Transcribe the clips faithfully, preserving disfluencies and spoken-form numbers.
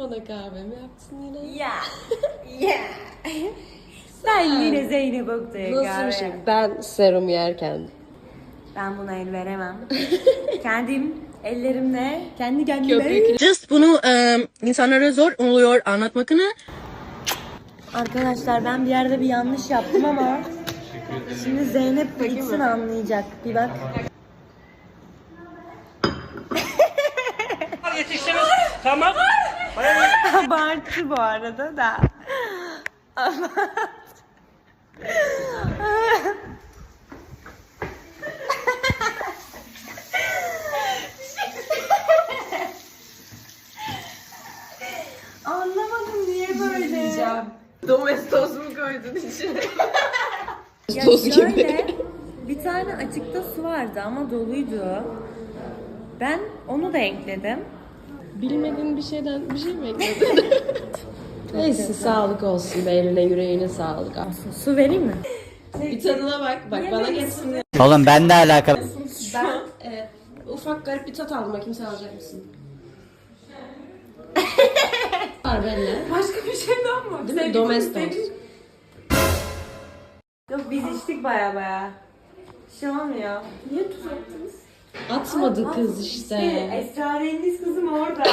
bana kahvemi yapsın yine. Ya. Ya. Ben yine Zeynep Oktay'a kahve. Nasıl bir şey? Ben serum yerken. Ben buna el veremem. Kendim ellerimle, kendi kendime. Köpek. Just bunu e, insanlara zor oluyor anlatmakını. Arkadaşlar ben bir yerde bir yanlış yaptım ama şimdi Zeynep gitsin anlayacak. Bir bak. Yetiştiniz. Tamam. Abartı bu arada da. Anlamadım niye böyle. Domestos mu koydun içine? Ya Toz gibi. şöyle, bir tane açıkta su vardı ama doluydu. Ben onu da ekledim. Bilmediğin bir şeyden bir şey mi ekledin? Neyse sağlık olsun be, eline yüreğine sağlık. Su vereyim mi? Bir tadına bak, bak bana geçsin. Oğlum ben de alakalı. Ben e, ufak garip bir tat aldım, bakayım sen alacak mısın? Var benimle. Başka bir şey daha mı? Değil mi? Domestos. Yok biz içtik baya baya. Bir şey olmuyor. Niye tuz attınız? Atmadı kız işte. Esrarengiz kızım orada.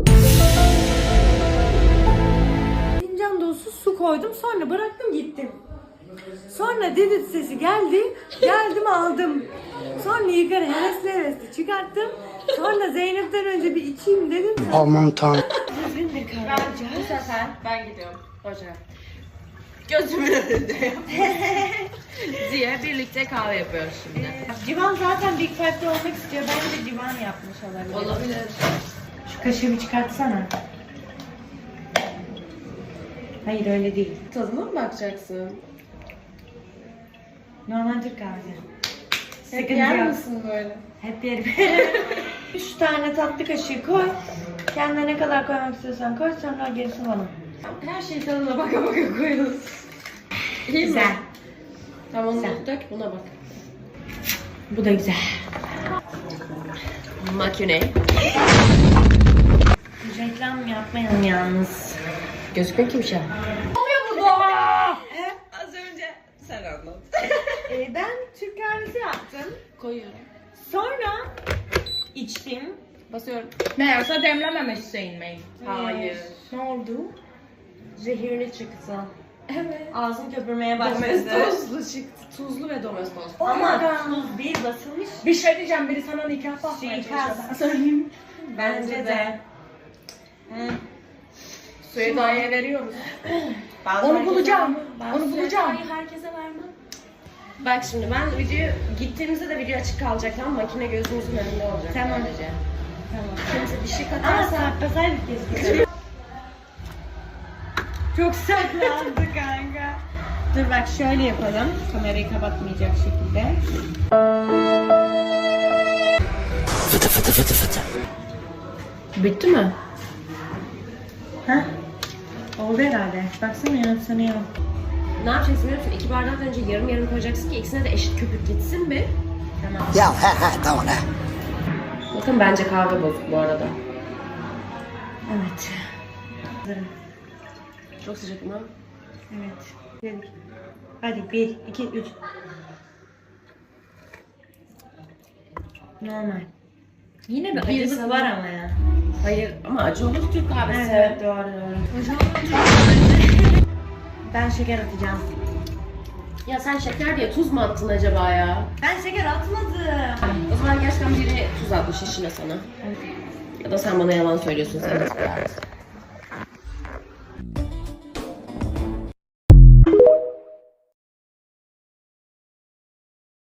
Fincan dolusu su koydum, sonra bıraktım gittim. Sonra dedit sesi geldi, geldim aldım. Sonra yukarı hevesli hevesli çıkarttım. Sonra Zeynep'ten önce bir içeyim dedim. Aman tanrım. Düzgün bir kahve yapacağım. Bu sefer ben gidiyorum. Hoca. Gözümün önünde diye birlikte kahve yapıyoruz şimdi. Civan zaten Big Five'de olmak istiyor. Bence Civan yapmış olabilir. Olabilir. Şu kaşığı bir çıkartsana. Hayır öyle değil. Tadına mı bakacaksın? Normal Türk kahvesi. Hep Sıkıntı yer yok. misin böyle? Hep yerim. Üç tane tatlı kaşığı koy. Kendine ne kadar koymak istiyorsan koy, sonra gerisini bana. Her şeyi tadına baka baka koyuyoruz. İyi Güzel. mi? Tamam, onu Güzel. dök, buna bak. Bu da güzel. Makine. Reklam yapmayalım yalnız. Gözükmüyor ki bir şey. Az önce sen anlat. Ee, ben Türk kahvesi yaptım. Koyuyorum. Sonra içtim. Basıyorum. Meğerse demlememişsin mi? Hayır. Ne oldu? Zehirli çıktı. Evet. Ağzım köpürmeye başladı. Domestoslu çıktı. Tuzlu ve domestos. Ama tuz değil, basılmış. Bir şey diyeceğim, biri sana nikah basmaya Suikast. çalışıyor. Söyleyeyim. Bence de. Hı. Suyu daye veriyoruz. Ben Onu herkese- bulacağım. Ben Onu bulacağım. herkese vermem. Bak şimdi ben video gittiğimizde de video açık kalacak, tamam, makine gözümüzün önünde olacak. Tamam. Sadece. Tamam. Kimse bir şey Ama katarsa saklasaydık keşke. Çok saklandı kanka. Dur bak şöyle yapalım. Kamerayı kapatmayacak şekilde. Fıtı fıtı fıtı fıtı. bitti mi? Heh. Oldu herhalde. Baksana ya sanıyor. Ne yapacaksın biliyor musun? İki bardak önce yarım yarım koyacaksın ki ikisine de eşit köpük gitsin bir. Tamam. Ya he he tamam he. Bakın bence kahve bozuk bu arada. Evet. Hazırım. Çok sıcak mı? Evet. Dedik. Hadi bir, iki, üç. Normal. Yine bir Bir acılık sana- var ama ya. Hayır ama acı olur Türk kahvesi. Evet doğru doğru. Ben şeker atacağım. Ya sen şeker diye tuz mu attın acaba ya? Ben şeker atmadım. O zaman gerçekten biri tuz atmış işine sana. Ya da sen bana yalan söylüyorsun, sen de